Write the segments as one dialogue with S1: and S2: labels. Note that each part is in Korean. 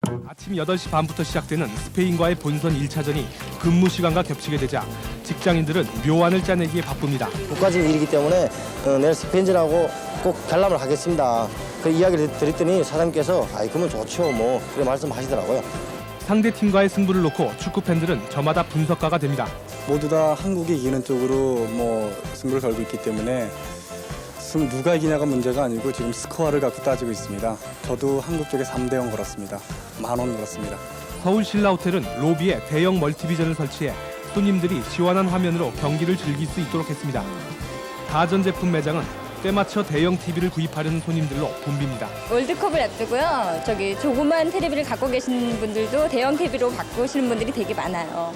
S1: 아침 8시 반부터 시작되는 스페인과의 본선 1차전이 근무 시간과 겹치게 되자 직장인들은 묘안을 짜내기에 바쁩니다.
S2: 국가적인 일이기 때문에 내일 스페인전하고 꼭 관람을 하겠습니다. 그 이야기를 드렸더니 사장님께서 그러면 좋죠 뭐 그렇게 말씀하시더라고요.
S1: 상대 팀과의 승부를 놓고 축구 팬들은 저마다 분석가가 됩니다.
S3: 모두 다 한국이 이기는 쪽으로 승부를 걸고 있기 때문에 누가 이기냐가 문제가 아니고 지금 스코어를 갖고 따지고 있습니다. 저도 한국 쪽에 3대0 걸었습니다. 10,000원 걸었습니다.
S1: 서울 신라호텔은 로비에 대형 멀티비전을 설치해 손님들이 시원한 화면으로 경기를 즐길 수 있도록 했습니다. 가전제품 매장은 때맞춰 대형 TV를 구입하려는 손님들로 붐빕니다.
S4: 월드컵을 앞두고요. 조그만 테레비를 갖고 계신 분들도 대형 TV로 바꾸시는 분들이 되게 많아요.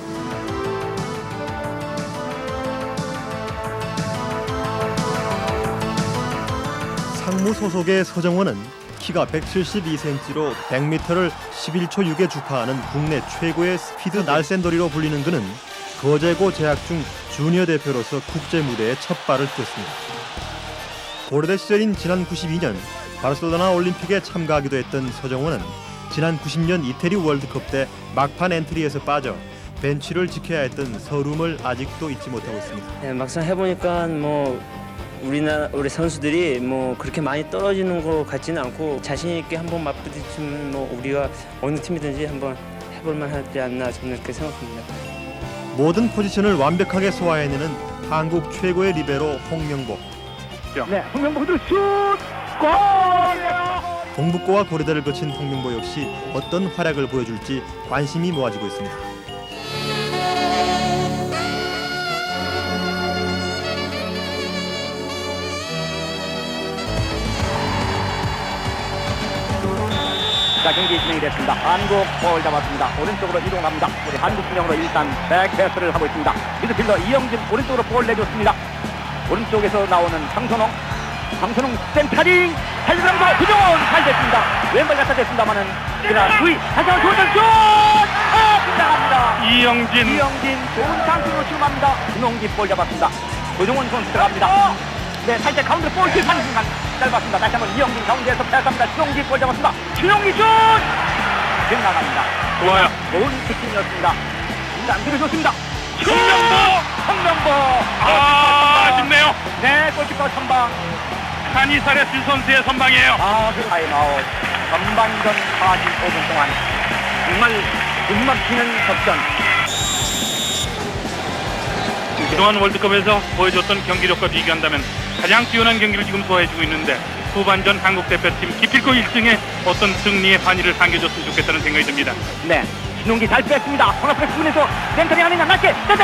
S5: 상무 소속의 서정원은 키가 172cm로 100m를 11초 6에 주파하는 국내 최고의 스피드 날쌘돌이로 불리는 그는 거제고 재학 중 주니어 대표로서 국제 무대에 첫 발을 띄웠습니다. 고려대 시절인 지난 92년 바르셀로나 올림픽에 참가하기도 했던 서정원은 지난 90년 이태리 월드컵 때 막판 엔트리에서 빠져 벤치를 지켜야 했던 서름을 아직도 잊지 못하고 있습니다.
S6: 네, 막상 해보니까 우리 선수들이 그렇게 많이 떨어지는 것 같지는 않고 자신 있게 한번 맞부딪히면 우리가 어느 팀이든지 한번 해볼만 하지 않나 저는 그렇게 생각합니다.
S5: 모든 포지션을 완벽하게 소화해내는 한국 최고의 리베로 홍명보.
S7: 네, 홍명보 그대로 슛! 골!
S5: 동북고와 고려대를 거친 홍명보 역시 어떤 활약을 보여줄지 관심이 모아지고 있습니다.
S7: 자, 경기 진행이 됐습니다. 한국 볼 잡았습니다. 오른쪽으로 이동합니다. 우리 한국 진영으로 일단 백패스를 하고 있습니다. 미드필더 이영진 오른쪽으로 볼 내줬습니다. 오른쪽에서 나오는 황선홍 센터링 달리면서 구정원 잘 됐습니다. 왼발 갖다 댔습니다만은 그러나 주의 다시 한번 좋은 슛! 빗나갑니다. 이영진 좋은 찬스로 출마합니다. 김홍기 볼 잡았습니다. 구정원 선수 들어갑니다. 네, 살짝 가운데로 볼 킥하는 순간 짧았습니다. 다시 한번 이영진 가운데에서 패스합니다. 주용기 볼 잡았습니다. 주용기 슛! 빗나갑니다. 좋아요. 좋은 킥이었습니다. 안 들어줬습니다. 홍명보!
S8: 아쉽네요.
S7: 네, 골키퍼 선방.
S8: 카니사레스 선수의 선방이에요.
S7: 그 타임아웃. 전반전 45분 동안 정말 숨막히는 접전.
S8: 그동안 월드컵에서 보여줬던 경기력과 비교한다면 가장 뛰어난 경기를 지금 소화해주고 있는데 후반전 한국 대표팀 기필코 1승에 어떤 승리의 반열을 당겨줬으면 좋겠다는 생각이 듭니다.
S7: 네, 신용기 잘 뺐습니다. 코너프레스 부분에서 센터링 아니냐 낮게 슛!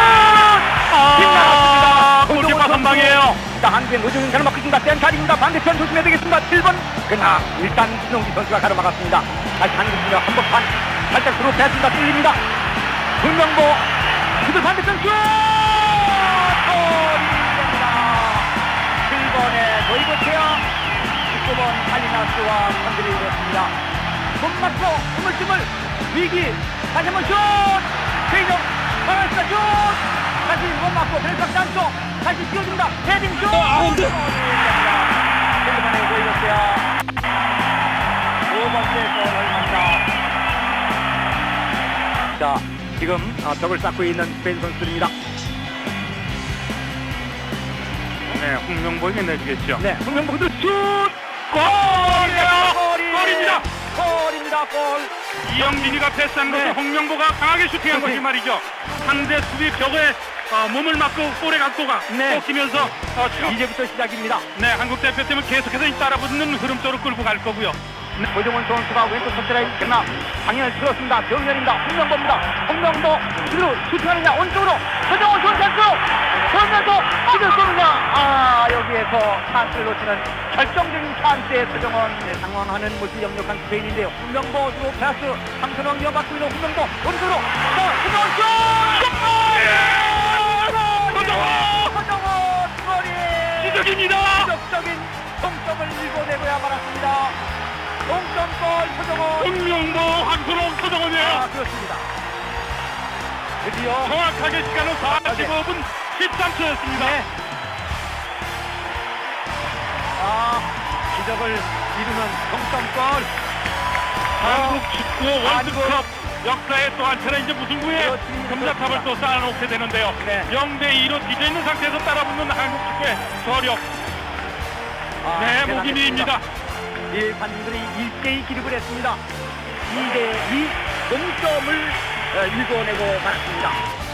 S7: 빗나갔습니다.
S8: 골키퍼 선방이에요.
S7: 자, 한국의 노정인 가로막습니다. 센터링입니다. 반대편 조심해야 되겠습니다. 7번. 그러나 일단 신용기 선수가 가로막았습니다. 다시 한국 진영 한복판 살짝 들어 뺐습니다. 뚫립니다. 홍명보 그들 반대편 슛! 골입니다. 7번의 도이고체야 19번 칼리나스와 선들이 이뤘습니다. 손 맞고 우물쭈물 위기 다시 한번 슛! 최인영 파란스가 슛! 다시 못 맞고 벨삭 안쪽 다시 뛰어줍니다. 헤딩 슛! 골입니다. 7번의 도이고체야 두 번째 골 얼마입니다. 자, 지금 벽을 쌓고 있는 스페인 선수들입니다.
S8: 네, 홍명보에게 내주겠죠.
S7: 네, 홍명보 그대로 슛! 골입니다. 골.
S8: 이영진이가 패스한 것을
S7: 네.
S8: 홍명보가 강하게 슈팅한 것이 말이죠. 상대 수비 벽에 몸을 맞고 볼의 각도가
S7: 네.
S8: 꺾이면서
S7: 이제부터 시작입니다.
S8: 네, 한국 대표팀은 계속해서 따라붙는 흐름 쪽으로 끌고 갈 거고요.
S7: 고정원 선수가 왼쪽 터치라인 그러나 방향을 틀었습니다. 정면입니다. 홍명보입니다. 홍명보 그대로 슈팅하느냐 오른쪽으로 서정원 좋은 찬스 돌면서 이걸 쏘느냐 여기에서 찬스를 놓치는 결정적인 찬스에 서정원 당황하는 모습이 역력한 스페인인데요. 홍명보 주로 패스 황선홍 이어받고 있는 홍명보 오른쪽으로 서정원 서정원 골이
S8: 기적입니다.
S7: 기적적인 동점을 일궈내고야 말았습니다. 동점골 서정원.
S8: 홍명보, 황선홍, 서정원이에요.
S7: 그렇습니다. 드디어
S8: 정확하게 시간은 45분 13초였습니다.
S7: 네. 기적을 이루는 동점골.
S8: 한국 축구 월드컵 역사의 또 한 차례 이제 무승부에 금자탑을 또 쌓아놓게 되는데요.
S7: 네.
S8: 0대2로 뒤져있는 상태에서 따라붙는 한국 축구의 저력. 네, 목임이입니다.
S7: 관중들이 일제히 기립을 했습니다. 2대2 동점을 일궈내고 말았습니다.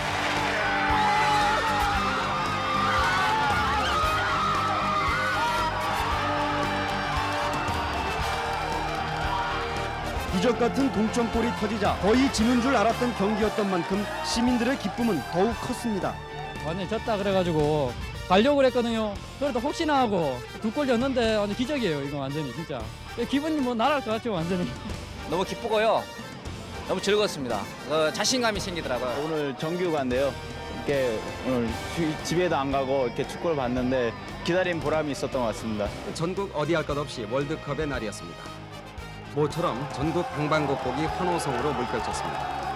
S9: 이적 같은 동점골이 터지자 거의 지는 줄 알았던 경기였던 만큼 시민들의 기쁨은 더욱 컸습니다.
S10: 완전 졌다 그래가지고 가려고 그랬거든요. 그래도 혹시나 하고 2골 졌는데 완전 기적이에요. 이거 완전히 진짜 기분이 뭐 날아갈 것 같죠 완전히.
S11: 너무 기쁘고요. 너무 즐거웠습니다. 자신감이 생기더라고요.
S12: 오늘 정규가인데요. 이렇게 오늘 집에도 안 가고 이렇게 축구를 봤는데 기다린 보람이 있었던 것 같습니다.
S9: 전국 어디 할 것 없이 월드컵의 날이었습니다. 모처럼 전국 방방곡곡이 환호성으로 물결쳤습니다.